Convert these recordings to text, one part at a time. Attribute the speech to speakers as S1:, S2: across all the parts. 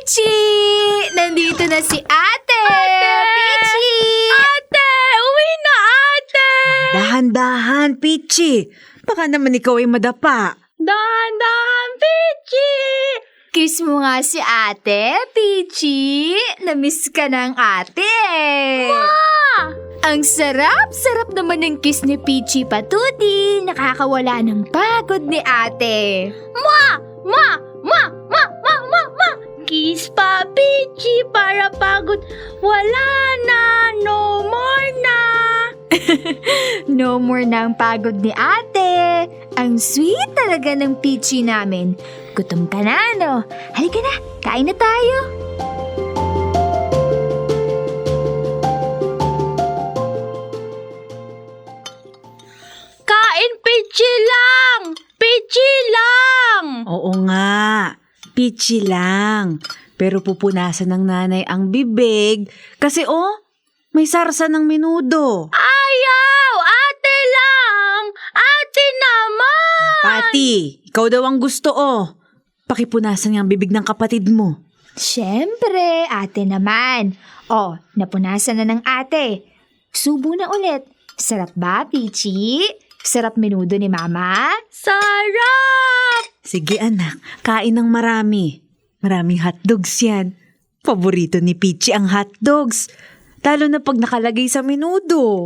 S1: Pichi! Nandito na si Ate! Pichi!
S2: Ate! Uwi na, ate!
S3: Dahan-dahan, Pichi. Baka naman ikaw ay madapa.
S2: Dahan-dahan, Pichi!
S1: Kiss mo nga si Ate, Pichi! Namiss ka ng ate! Ang sarap-sarap naman ng kiss ni Pichi Patuti. Nakakawala ng pagod ni ate.
S2: Ma! Kiss pa, Pichi, para pagod. Wala na, no more na.
S1: No more na ang pagod ni ate. Ang sweet talaga ng Pichi namin. Gutom ka na, no? Halika na, kain na tayo.
S2: Kain, Pichi lang! Pichi lang!
S3: Oo nga, Pichi lang. Pero pupunasan ng nanay ang bibig kasi may sarsa ng menudo.
S2: Ayaw! Ate lang! Ate naman!
S3: Pati, ikaw daw ang gusto Pakipunasan ang bibig ng kapatid mo.
S1: Siyempre, ate naman. Napunasan na ng ate. Subo na ulit. Sarap ba, Pichi? Sarap menudo ni Mama?
S2: Sarap!
S3: Sige anak, kain ng marami. Maraming hotdogs yan. Paborito ni Pichi ang hotdogs. Lalo na pag nakalagay sa menudo.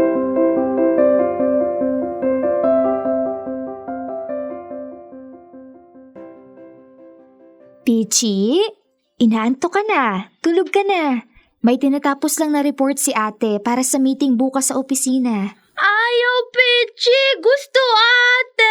S1: Pichi, inaantok ka na. Tulog ka na. May tinatapos lang na report si ate para sa meeting bukas sa opisina.
S2: Ayaw, Pichi! Gusto, ate!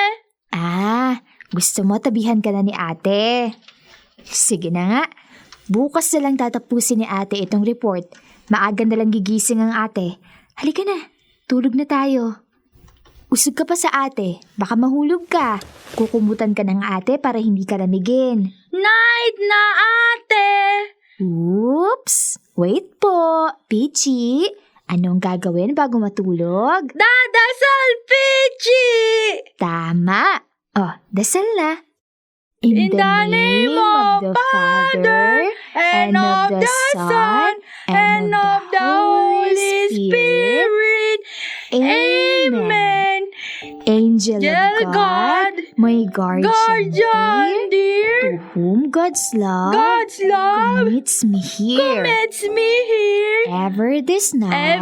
S1: Gusto mo tabihan ka na ni ate? Sige na nga. Bukas na lang tatapusin ni ate itong report. Maaga na lang gigising ang ate. Halika na, tulog na tayo. Usog ka pa sa ate, baka mahulog ka. Kukumutan ka ng ate para hindi ka lamigin.
S2: Night na, ate!
S1: Oops! Wait po, Pichi. Anong gagawin bago matulog?
S2: Dadasal, Pichi!
S1: Tama! Dasal na.
S2: In the name of the Father, and of the Son, and of the Holy Spirit. Amen.
S1: Angel of God, my
S2: guardian dear,
S1: to whom God's love commits me here. Ever this night,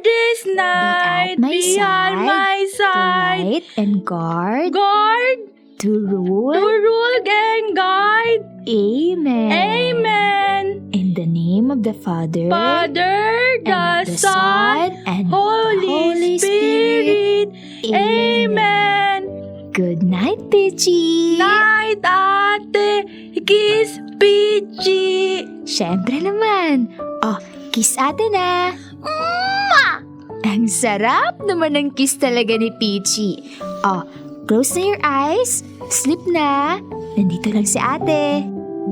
S2: be at my
S1: to
S2: side,
S1: light and guard, to rule
S2: and guide.
S1: Amen.
S2: Amen.
S1: In the name of the Father,
S2: Father,
S1: and of
S2: the
S1: the
S2: Son,
S1: and
S2: Holy Spirit. Amen.
S1: Good night, Pichi.
S2: Night, ate. Kiss, Pichi.
S1: Siyempre naman. Kiss ate na. Ang sarap naman ng kiss talaga ni Pichi. Close na your eyes. Sleep na. Nandito lang si ate.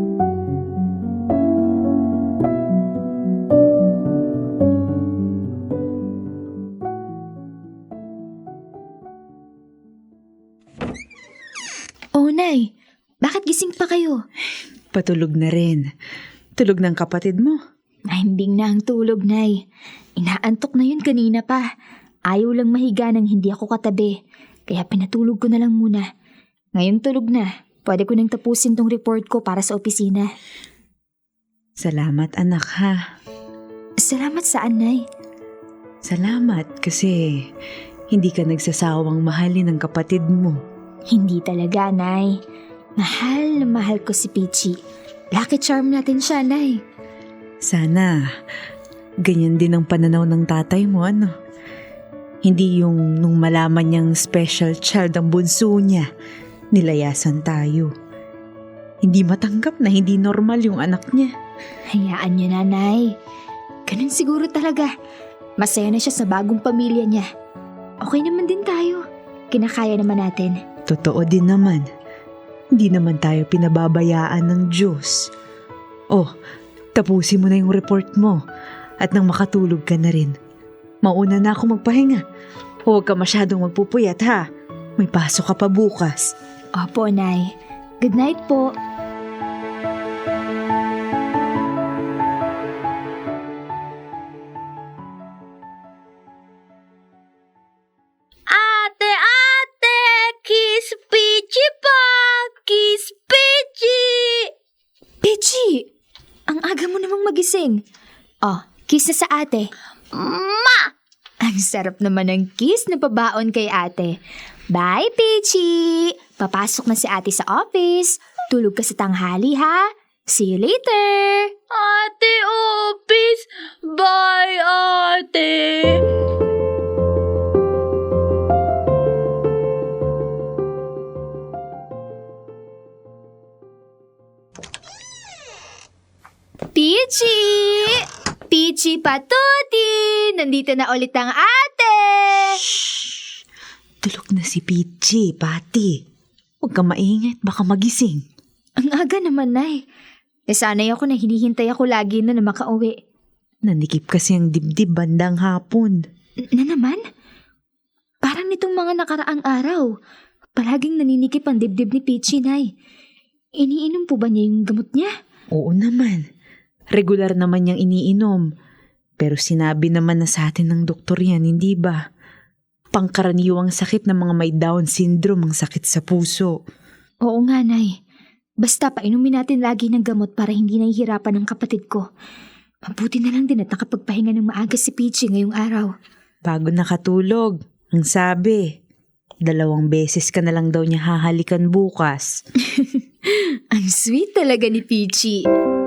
S1: Nay, bakit gising pa kayo?
S3: Patulog na rin. Tulog ng kapatid mo.
S1: Nahimbing na ang tulog, Nay. Inaantok na yun kanina pa. Ayaw lang mahiga nang hindi ako katabi. Kaya pinatulog ko na lang muna. Ngayon tulog na. Pwede ko nang tapusin tong report ko para sa opisina.
S3: Salamat anak ha.
S1: Salamat saan, Nay?
S3: Salamat kasi hindi ka nagsasawang mahalin ang kapatid mo.
S1: Hindi talaga, Nay. Mahal na mahal ko si Pichi. Lucky charm natin siya, Nay.
S3: Sana ganyan din ang pananaw ng tatay mo, ano? Hindi yung nung malaman niyang special child ang bunso niya, nilayasan tayo. Hindi matanggap na hindi normal yung anak niya.
S1: Hayaan niyo na, Nay. Ganun siguro talaga. Masaya na siya sa bagong pamilya niya. Okay naman din tayo. Kinakaya naman natin.
S3: Totoo din naman. Hindi naman tayo pinababayaan ng Diyos. Tapusin mo na yung report mo at nang makatulog ka na rin. Mauna na ako magpahinga. Huwag ka masyadong magpupuyat ha. May pasok ka pa bukas.
S1: Opo, Nay. Good night po. magising. Oh, kiss na sa ate.
S2: Ma!
S1: Ang sarap naman ng kiss na pabaon kay ate. Bye, Peachy! Papasok na si ate sa office. Tulog ka sa tanghali, ha? See you later!
S2: Ate Opis! Bye, ate!
S1: Peachy! Peachy Patuti! Nandito na ulit ang ate!
S3: Tulog na si Peachy, Pati. Huwag ka maingay at baka magising.
S1: Ang aga naman, Nay. Sanay ako na hinihintay ako lagi na makauwi.
S3: Nanikip kasi ang dibdib bandang hapon.
S1: Na naman? Parang nitong mga nakaraang araw. Palaging naninikip ang dibdib ni Peachy, Nay. Iniinom po ba niya yung gamot niya?
S3: Oo naman. Regular naman niyang iniinom. Pero sinabi naman na sa atin ng doktor yan, hindi ba? Pangkaraniwang sakit ng mga may Down syndrome ang sakit sa puso.
S1: Oo nga, Nay. Basta painumin natin lagi ng gamot para hindi nahihirapan ang kapatid ko. Mabuti na lang din at nakapagpahinga ng maaga si Peachy ngayong araw.
S3: Bago nakatulog, ang sabi, 2 beses ka na lang daw niya hahalikan bukas.
S1: Ang sweet talaga ni Peachy.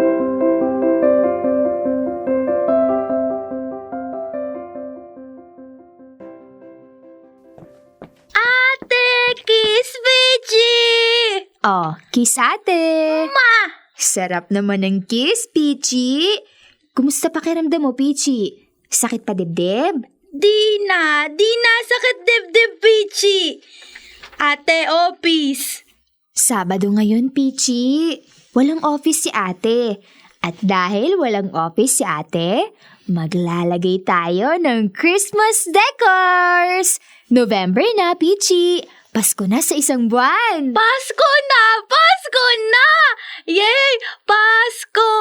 S2: Ate! Kiss Peachy!
S1: Oh, kiss ate!
S2: Ma!
S1: Sarap naman ng kiss, Peachy. Kumusta pakiramdam mo, Peachy? Sakit pa dibdib?
S2: Di na sakit dibdib, Peachy! Ate Opis!
S1: Sabado ngayon, Peachy. Walang office si ate. At dahil walang office si ate, maglalagay tayo ng Christmas decors! November na, Peachy. Pasko na sa isang buwan.
S2: Pasko na! Pasko na! Yay! Pasko!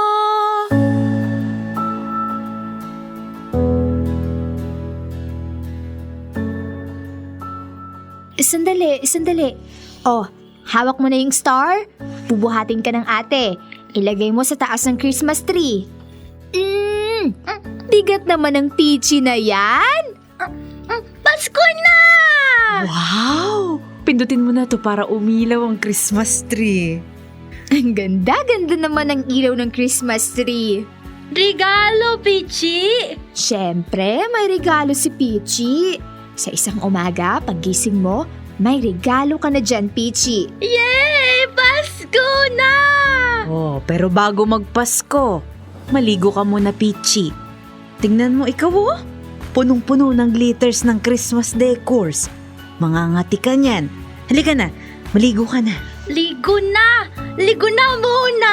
S1: Sandali. Oh, hawak mo na yung star. Bubuhatin ka ng ate. Ilagay mo sa taas ng Christmas tree. Bigat naman ng Peachy na yan.
S2: Pasko na!
S3: Wow! Pindutin mo na to para umilaw ang Christmas tree.
S1: Ang ganda-ganda naman ng ilaw ng Christmas tree.
S2: Regalo, Peachy!
S1: Siyempre, may regalo si Peachy. Sa isang umaga, paggising mo, may regalo ka na dyan, Peachy.
S2: Yay! Pasko na!
S3: Oh, pero bago magpasko, maligo ka muna, Peachy. Tingnan mo ikaw, oh. Punong-puno ng glitters ng Christmas decors. Mangangati ka niyan. Halika na, maligo ka na.
S2: Ligo na! Ligo na muna!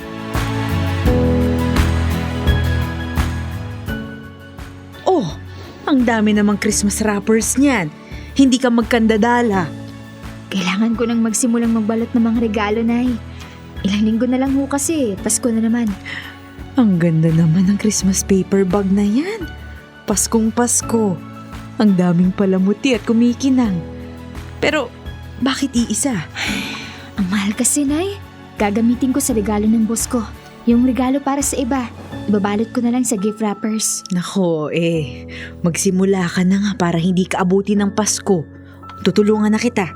S3: Oh, ang dami namang Christmas wrappers niyan. Hindi ka magkandadala.
S1: Kailangan ko nang magsimulang magbalot ng mga regalo, Nay. Ilang linggo na lang ho kasi, Pasko na naman.
S3: Ang ganda naman ng Christmas paper bag na yan. Paskong Pasko. Ang daming palamuti at kumikinang. Pero, bakit iisa?
S1: Ang mahal kasi, Nay. Gagamitin ko sa regalo ng boss ko. Yung regalo para sa iba, ibabalot ko na lang sa gift wrappers.
S3: Nako, magsimula ka na nga para hindi ka abutin ng Pasko. Tutulungan na kita.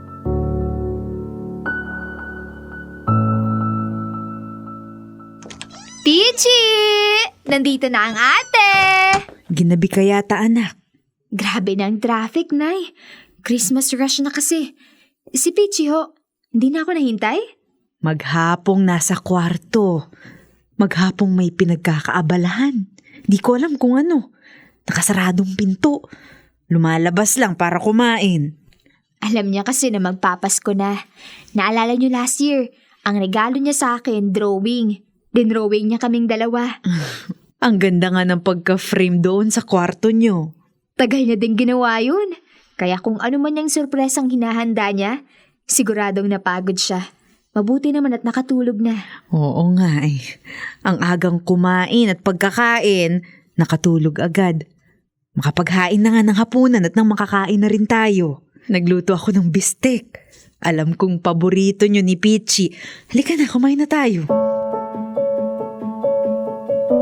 S1: Peachy! Nandito na ang ate!
S3: Ginabi ka yata, anak.
S1: Grabe na ang traffic, Nay. Christmas rush na kasi. Si Peachy ho, hindi na ako nahintay?
S3: Maghapong nasa kwarto. Maghapong may pinagkakaabalahan. Di ko alam kung ano. Nakasaradong pinto. Lumalabas lang para kumain.
S1: Alam niya kasi na magpapasko na. Naalala niyo last year, ang regalo niya sa akin, drawing. Dinrawing niya kaming dalawa.
S3: Ang ganda nga ng pagka-frame doon sa kwarto nyo.
S1: Tagal niya din ginawa yun. Kaya kung ano man yung surpresang hinahanda niya, siguradong napagod siya. Mabuti naman at nakatulog na.
S3: Oo nga eh. Ang agang kumain at pagkakain, nakatulog agad. Makapaghain na nga ng hapunan at nang makakain na rin tayo. Nagluto ako ng bistek. Alam kong paborito nyo ni Peachy. Halika na, kumain na tayo.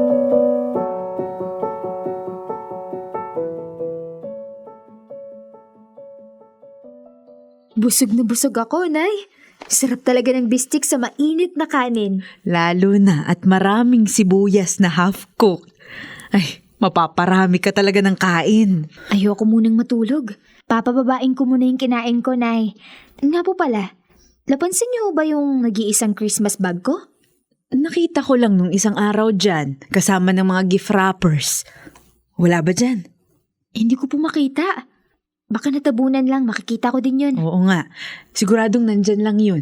S1: Busog na busog ako, Nay. Sarap talaga ng bistik sa mainit na kanin.
S3: Lalo na at maraming sibuyas na half-cooked. Ay, mapaparami ka talaga ng kain.
S1: Ayoko munang matulog. Papababain ko muna yung kinain ko, Nay. Nga po pala, napansin niyo ba yung nag-iisang Christmas bag ko?
S3: Nakita ko lang nung isang araw dyan, kasama ng mga gift wrappers. Wala ba dyan?
S1: Hindi ko po makita. Baka natabunan lang, makikita ko din yun.
S3: Oo nga, siguradong nandyan lang yun.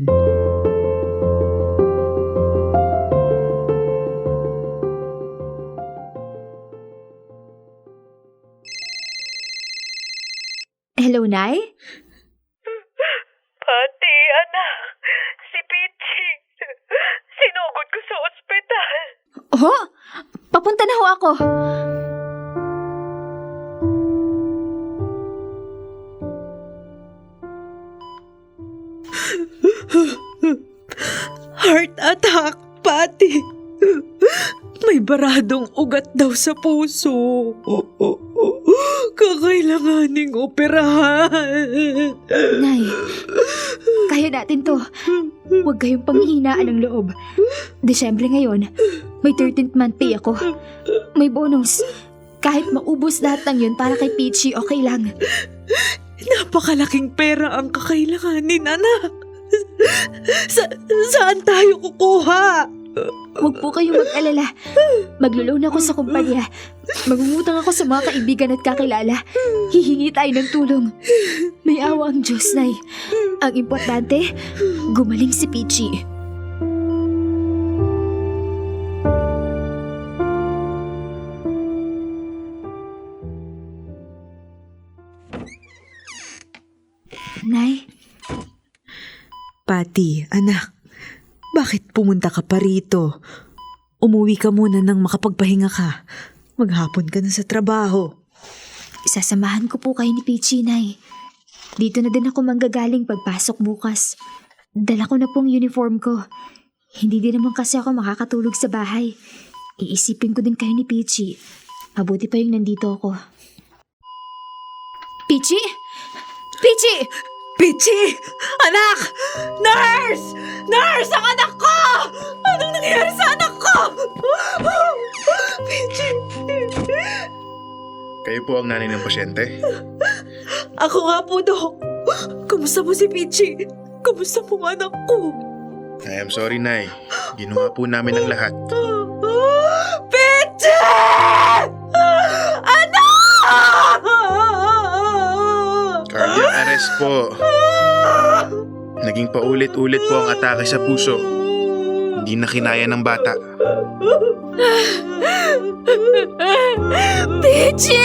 S1: Hello, Nay?
S2: Pati, anak. Si Pichi. Sinugod ko sa ospital.
S1: Oh, papunta na ho ako.
S3: Heart attack, Pati. May baradong ugat daw sa puso. Kakailanganing operahan.
S1: Nay, kaya natin to. Huwag kayong panghihinaan ng loob. Desyembre ngayon, may 13th month pay ako. May bonus. Kahit maubos lahat ng yun para kay Peachy, okay lang.
S3: Napakalaking pera ang kakailanganin, anak. Saan tayo kukuha?
S1: Huwag po kayong mag-alala. Maglo-loan ako sa kumpanya. Magmumutang ako sa mga kaibigan at kakilala. Hihingi tayo ng tulong. May awa ang Diyos, Nay. Ang importante, gumaling si Peachy. Nay,
S3: Pati, anak, bakit pumunta ka pa rito? Umuwi ka muna nang makapagpahinga ka. Maghapon ka na sa trabaho.
S1: sasamahan ko po kayo ni Peachy, Nay. Dito na din ako manggagaling pagpasok bukas. Dala ko na pong uniform ko. Hindi din naman kasi ako makakatulog sa bahay. Iisipin ko din kayo ni Peachy. Mabuti pa yung nandito ako. Peachy? Peachy!
S3: Pichi! Anak! Nurse! Nurse! Ang anak ko! Anong nangyayari sa anak ko? Pichi!
S4: Kayo po ang nanay ng pasyente?
S3: Ako nga po, Dok. Kamusta mo si Pichi? Kamusta mo ang anak ko?
S4: I am sorry, Nay. Ginawa po namin ang lahat.
S3: Pichi! Anak!
S4: Cardiac arrest po. Naging paulit-ulit po ang atake sa puso. Hindi na kinaya ng bata.
S1: Peachy!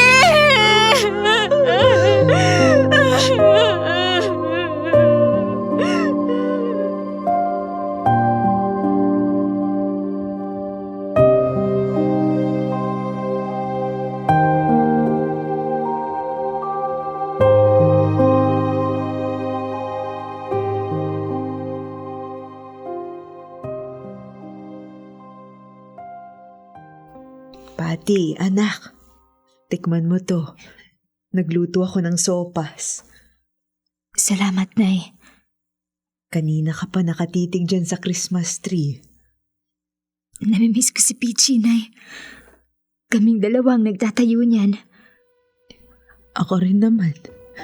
S3: Pati, anak. Tikman mo to. Nagluto ako ng sopas.
S1: Salamat, Nay.
S3: Kanina ka pa nakatitig dyan sa Christmas tree.
S1: Namimiss ko si Peachy, Nay. Kaming dalawang nagtatayo niyan.
S3: Ako rin naman.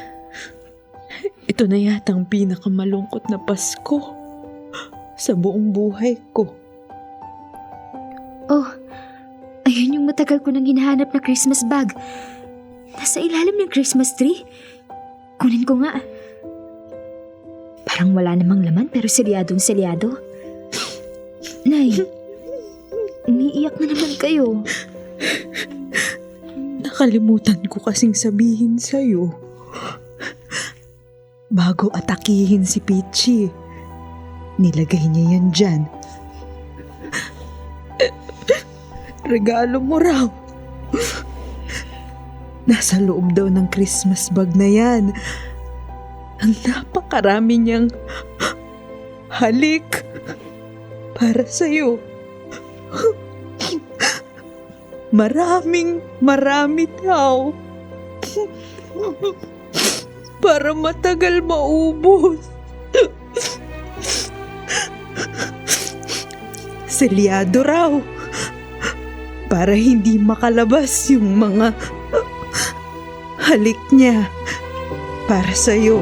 S3: Ito na yatang pinakamalungkot na Pasko sa buong buhay ko.
S1: Oh, ayun yung matagal ko nang hinahanap na Christmas bag. Nasa ilalim ng Christmas tree. Kunin ko nga. Parang wala namang laman pero selyadong-selyado. Nay, umiiyak na naman kayo.
S3: Nakalimutan ko kasing sabihin sa'yo. Bago atakihin si Peachy, nilagay niya yan dyan. Regalo mo raw. Nasa loob daw ng Christmas bag na yan. Ang napakarami niyang halik para sa'yo. Marami daw. para matagal maubos. Selyado raw para hindi makalabas yung mga halik niya para sa'yo.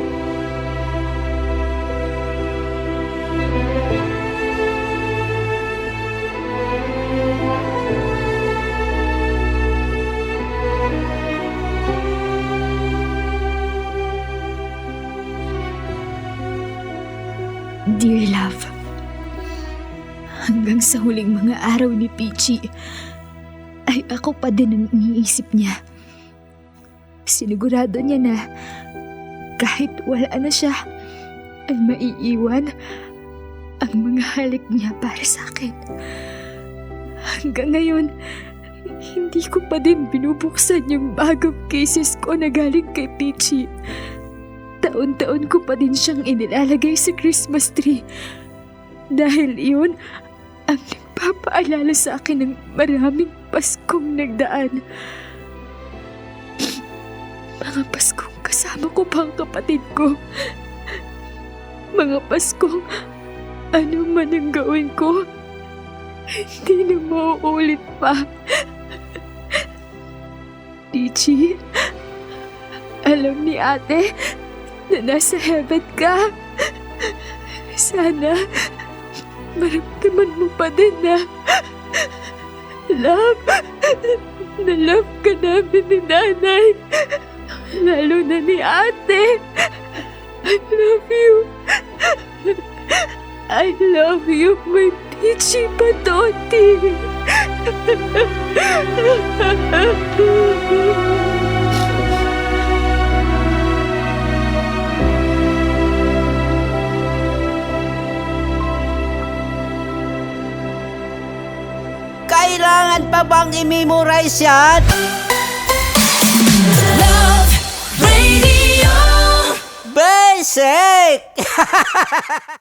S1: Dear love, hanggang sa huling mga araw ni Peachy, ay ako pa din ang iniisip niya. Sinigurado niya na kahit wala na siya, ay maiiwan ang mga halik niya para sa akin. Hanggang ngayon, hindi ko pa din binubuksan yung bagong cases ko na galing kay Peachy. Taon-taon ko pa din siyang inilalagay sa Christmas tree. Dahil iyon ang nagpapaalala sa akin ng maraming Paskong nagdaan. Mga Paskong kasama ko pa ang kapatid ko. Mga Paskong ano man ang gawin ko, hindi na mauulit pa. Peachy, alam ni ate na nasa heaven ka. Sana maramdaman mo pa din na love ka namin ni nanay, lalo na ni ate. I love you. I love you, my Peachy Patoti.
S5: Kailangan pa bang i-memorize yan?
S2: Love Radio.
S5: Basic!